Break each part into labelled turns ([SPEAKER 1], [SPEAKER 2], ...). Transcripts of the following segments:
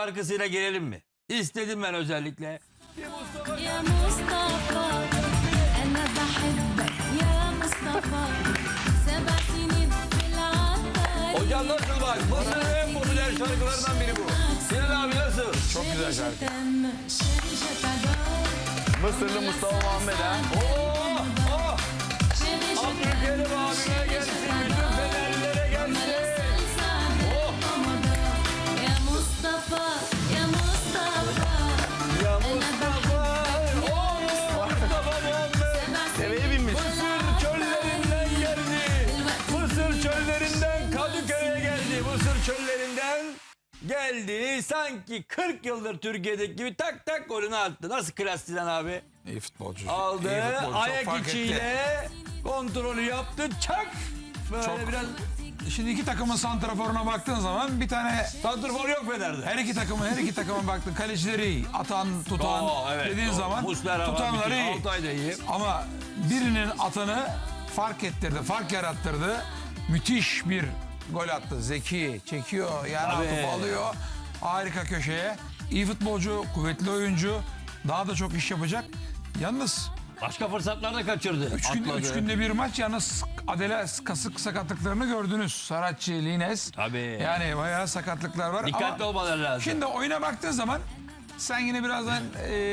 [SPEAKER 1] şarkısıyla gelelim mi? İstedim ben özellikle.
[SPEAKER 2] يا مصطفى أنا بحبك يا مصطفى 7 سنين في العطار.
[SPEAKER 1] Hocam nasıl bak? Mısır'ın en popüler şarkılarından biri bu. Sinan abi nasıl?
[SPEAKER 3] Çok güzel şarkı.
[SPEAKER 2] Chérie, je t'adore.
[SPEAKER 3] Mısırlı Mustafa Muhammed ha.
[SPEAKER 1] Oh! Oh!
[SPEAKER 2] Chérie, je
[SPEAKER 1] Abdülkerim
[SPEAKER 2] t'aime.
[SPEAKER 1] abime gelsin. Bütün fenerlilere gelsin. Oh!
[SPEAKER 2] يا مصطفى يا مصطفى
[SPEAKER 1] Ya Mustafa! Oh! Mustafa Muhammed!
[SPEAKER 3] Deveye binmiş.
[SPEAKER 1] Mısır çöllerinden geldi. Mısır çöllerinden Kadıköy'e geldi. Mısır çöllerinden geldi. Sanki 40 yıldır Türkiye'deki gibi tak tak golünü attı. Nasıl klas Sinan abi?
[SPEAKER 3] İyi futbolcu.
[SPEAKER 1] Aldı.
[SPEAKER 3] İyi futbolcu. Çok
[SPEAKER 1] Ayak
[SPEAKER 3] fark etti.
[SPEAKER 1] içiyle kontrolü yaptı. Çak! Böyle
[SPEAKER 3] Çok.
[SPEAKER 1] biraz
[SPEAKER 4] Şimdi iki takımın santraforuna baktığın zaman bir tane
[SPEAKER 1] santrfor yok Fener'de.
[SPEAKER 4] her iki takıma baktın. Kalecileri iyi. Atan, tutan
[SPEAKER 1] Evet,
[SPEAKER 4] dediğin
[SPEAKER 1] doğru.
[SPEAKER 4] zaman
[SPEAKER 1] Muslera var,
[SPEAKER 4] tutanları
[SPEAKER 1] bütün
[SPEAKER 4] iyi.
[SPEAKER 1] Altay da iyi.
[SPEAKER 4] Ama birinin atanı fark ettirdi, fark yarattırdı. Müthiş bir gol attı. Zeki çekiyor, yani
[SPEAKER 1] Tabii.
[SPEAKER 4] atıp alıyor. Harika köşeye. İyi futbolcu, kuvvetli oyuncu. Daha da çok iş yapacak. Yalnız
[SPEAKER 1] Başka fırsatlar da kaçırdı.
[SPEAKER 4] üç günde bir maç, yalnız Adele kasık sakatlıklarını gördünüz. Saratçı, Lines.
[SPEAKER 1] Tabii.
[SPEAKER 4] Yani bayağı sakatlıklar var.
[SPEAKER 1] Dikkatli
[SPEAKER 4] ama
[SPEAKER 1] olmaları lazım.
[SPEAKER 4] şimdi oyuna baktığın zaman sen yine birazdan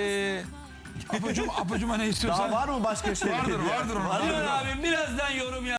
[SPEAKER 4] apucuma ne istiyorsan.
[SPEAKER 3] Daha var mı başka şey?
[SPEAKER 4] Vardır.
[SPEAKER 1] Sinan abi birazdan yorum yap.